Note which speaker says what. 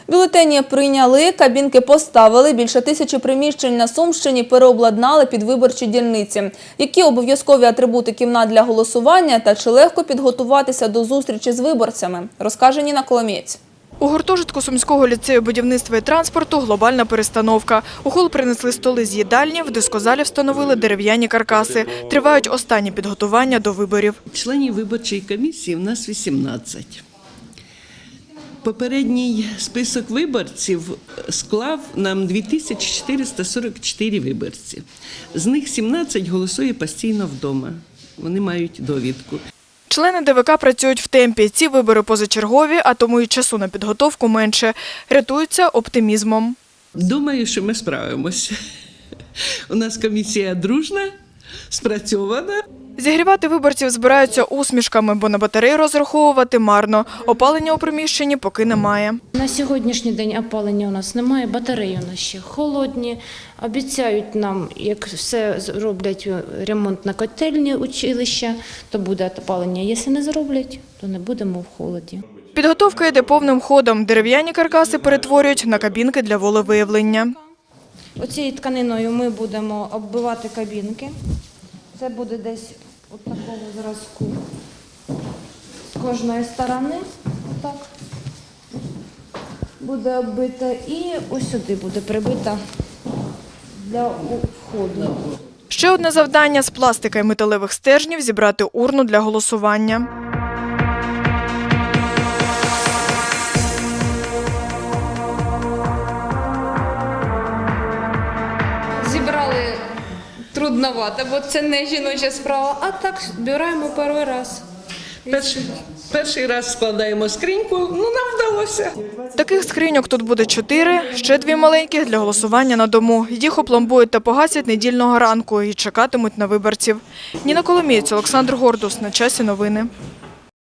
Speaker 1: Бюлетені прийняли, кабінки поставили, більше 1000 приміщень на Сумщині переобладнали під виборчі дільниці. Які обов'язкові атрибути кімнат для голосування та чи легко підготуватися до зустрічі з виборцями, розкаже Ніна Коломієць.
Speaker 2: У гуртожитку Сумського ліцею будівництва і транспорту глобальна перестановка. У хол принесли столи з їдальні, в дискозалі встановили дерев'яні каркаси. Тривають останні підготування до виборів.
Speaker 3: Членів виборчої комісії в нас 18. Попередній список виборців склав нам 2444 виборці. З них 17 голосує постійно вдома. Вони мають довідку.
Speaker 2: Члени ДВК працюють в темпі. Ці вибори позачергові, а тому і часу на підготовку менше. Рятуються оптимізмом.
Speaker 3: Думаю, що ми справимося. У нас комісія дружна, спрацьована.
Speaker 2: Зігрівати виборців збираються усмішками, бо на батарею розраховувати марно. Опалення у приміщенні поки немає.
Speaker 4: На сьогоднішній день опалення у нас немає, батареї у нас ще холодні. Обіцяють нам, як все зроблять ремонт на котельні училища, то буде опалення. Якщо не зроблять, то не будемо в холоді.
Speaker 2: Підготовка йде повним ходом. Дерев'яні каркаси перетворюють на кабінки для волевиявлення.
Speaker 4: Оцією тканиною ми будемо оббивати кабінки. Це буде десь от такого зразку з кожної сторони. Отак буде оббита і ось сюди буде прибита для входу.
Speaker 2: Ще одне завдання – з пластика і металевих стержнів зібрати урну для голосування.
Speaker 4: Зібрали трудновато, бо це не жіноча справа, а так збираємо перший раз.
Speaker 3: Перший раз складаємо скриньку, нам вдалося.
Speaker 2: Таких скриньок тут буде 4, ще 2 маленьких для голосування на дому. Їх опломбують та погасять недільного ранку і чекатимуть на виборців. Ніна Коломієць, Олександр Гордус. На часі новини.